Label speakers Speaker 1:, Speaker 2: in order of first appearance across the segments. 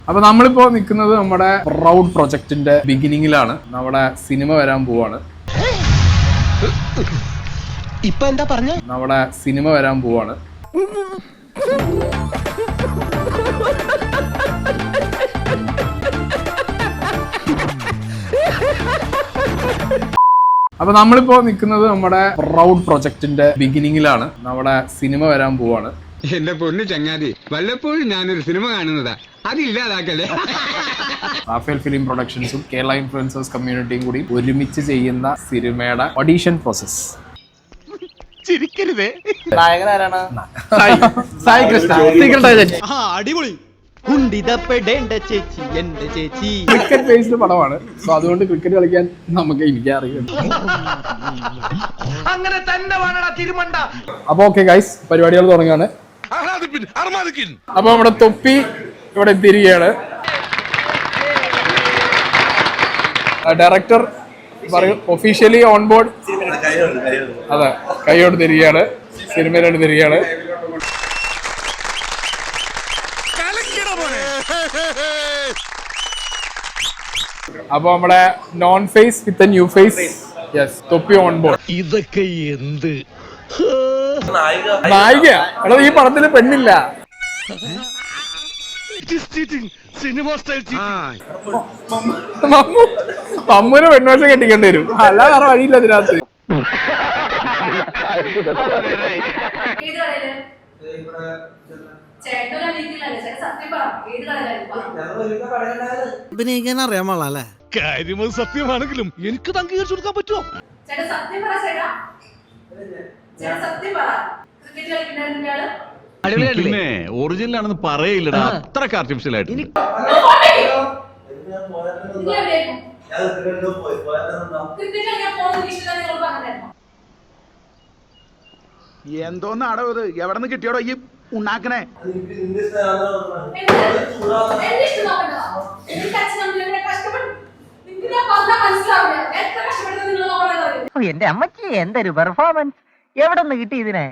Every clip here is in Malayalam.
Speaker 1: അപ്പൊ നമ്മളിപ്പോ നിൽക്കുന്നത് നമ്മുടെ പ്രൗഡ് പ്രൊജക്ടിന്റെ ബിഗിനിങ്ങിലാണ്. നമ്മുടെ സിനിമ വരാൻ പോവാണ്.
Speaker 2: ഇപ്പൊ എന്താ പറഞ്ഞ?
Speaker 1: നമ്മുടെ സിനിമ വരാൻ പോവാണ്. അപ്പൊ നമ്മളിപ്പോ നിൽക്കുന്നത് നമ്മുടെ പ്രൗഡ് പ്രൊജക്ടിന്റെ ബിഗിനിങ്ങിലാണ്. നമ്മുടെ സിനിമ വരാൻ പോവാണ്.
Speaker 3: എന്റെ പൊന്നു ചങ്ങാതി, വല്ലപ്പോഴും ഞാനൊരു സിനിമ കാണുന്നതാ, അതില്ലാതാക്കല്ലേ.
Speaker 1: റാഫേൽ ഫിലിം പ്രൊഡക്ഷൻസും കേരള ഇൻഫ്ലുവൻസേഴ്സ് കമ്മ്യൂണിറ്റിയും കൂടി ഒരുമിച്ച് ചെയ്യുന്ന സിനിമയുടെ ഓഡീഷൻ പ്രോസസ്.
Speaker 2: ചിരിക്കരുതേ.
Speaker 4: നായകനാരാണ്?
Speaker 1: സായി കൃഷ്ണ. Secret agent.
Speaker 2: അടിപൊളി. കുണ്ടിതപ്പെടേണ്ട ചേച്ചി എന്റെ ചേച്ചി.
Speaker 1: ക്രിക്കറ്റ് ബേസ്ഡ് പടമാണ്. സോ അതുകൊണ്ട് ക്രിക്കറ്റ് കളിക്കാൻ എനിക്ക് അറിയാം.
Speaker 2: അങ്ങനെ തന്നെ വേണടാ തിരുമണ്ട.
Speaker 1: അപ്പൊ ഓക്കെ ഗൈസ്, പരിപാടികൾ തുടങ്ങാണ്. അപ്പൊ നമ്മുടെ തൊപ്പി ഇവിടെ എത്തിയിരിക്കുകയാണ്. ഡയറക്ടർ പറയും ഒഫീഷ്യലി ഓൺ ബോർഡ്. അതെ, കൈയോട് തിരികെയാണ്, സിനിമയിലോട്ട് തിരികെയാണ്. അപ്പൊ നമ്മുടെ known face with new face. Yes, Thoppi on board.
Speaker 2: ഇതൊക്കെ എന്ത്
Speaker 1: നായിക? എടാ, ഈ പടത്തില് പെണ്ണില്ല. മമ്മൂനെ പെൺവേഷം കെട്ടിക്കേണ്ടി വരും, അല്ലാതെ വേറെ വഴിയില്ല അതിനകത്ത്.
Speaker 4: അഭിനയിക്കാൻ അറിയാൻ പാടില്ലേ?
Speaker 2: കാര്യം സത്യമാണെങ്കിലും എനിക്ക് അംഗീകരിച്ചു കൊടുക്കാൻ പറ്റുമോ?
Speaker 5: പിന്നെ ഒറിജിനൽ ആണെന്ന് പറയില്ലടാ, അത്രക്ക് ആർട്ടിഫിഷ്യൽ ആയിട്ട്.
Speaker 6: എന്തോന്നാടോ ഇത്? എവിടെ നിന്ന് കിട്ടിയോടോ ഈ ഉണ്ടാക്കണേ?
Speaker 7: എന്റെ അമ്മച്ചി എന്തൊരു പെർഫോമൻസ്! എവിടെ നിന്ന് കിട്ടി ഇതിനെ?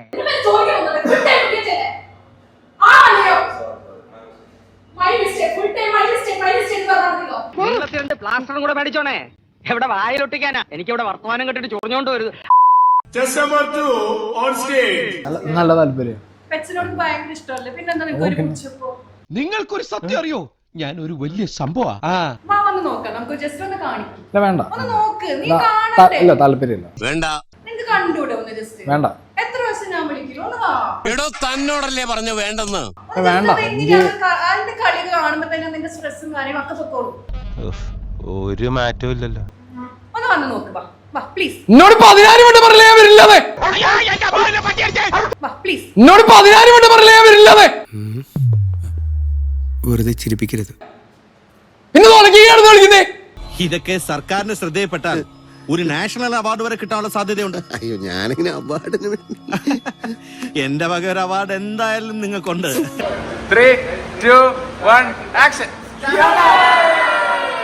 Speaker 7: പ്ലാസ്റ്ററും കൂടെ മേടിച്ചോണേ. എവിടെ വായിലൊട്ടിക്കാനാ? എനിക്ക് ഇവിടെ വർത്തമാനം കെട്ടിട്ട് ചൊറിഞ്ഞോണ്ട് വരുത്.
Speaker 1: നല്ല താല്പര്യം.
Speaker 2: നിങ്ങൾക്കൊരു സത്യം അറിയോ? ഞാൻ ഒരു വലിയ സംഭവം.
Speaker 1: വേണ്ട, ഇല്ല, താല്പര്യമില്ല. വേണ്ട.
Speaker 5: തന്നോടല്ലേ പറഞ്ഞു വേണ്ടെന്ന്?
Speaker 1: വേണ്ട.
Speaker 2: ഒരു മാറ്റവും ഇല്ലല്ലോ.
Speaker 1: എന്നോട് 14 വട്ടം പറഞ്ഞില്ലേ ഞാൻ വരില്ലാതെ? എന്നോട് 14 വട്ടം പറഞ്ഞില്ലേ ഞാൻ വരില്ലാതെ?
Speaker 4: വെറുതെ ചിരിപ്പിക്കരുത്.
Speaker 1: പിന്നെ കളിക്കുന്നേ.
Speaker 8: ഇതൊക്കെ സർക്കാരിന് ശ്രദ്ധയിൽപ്പെട്ടാൽ ഒരു നാഷണൽ അവാർഡ് വരെ കിട്ടാനുള്ള സാധ്യതയുണ്ട്.
Speaker 4: അയ്യോ, ഞാനിങ്ങനെ അവാർഡിന്
Speaker 8: എന്റെ വക ഒരു അവാർഡ് എന്തായാലും നിങ്ങൾക്കുണ്ട്.
Speaker 1: 3, 2, 1 ആക്ഷൻ.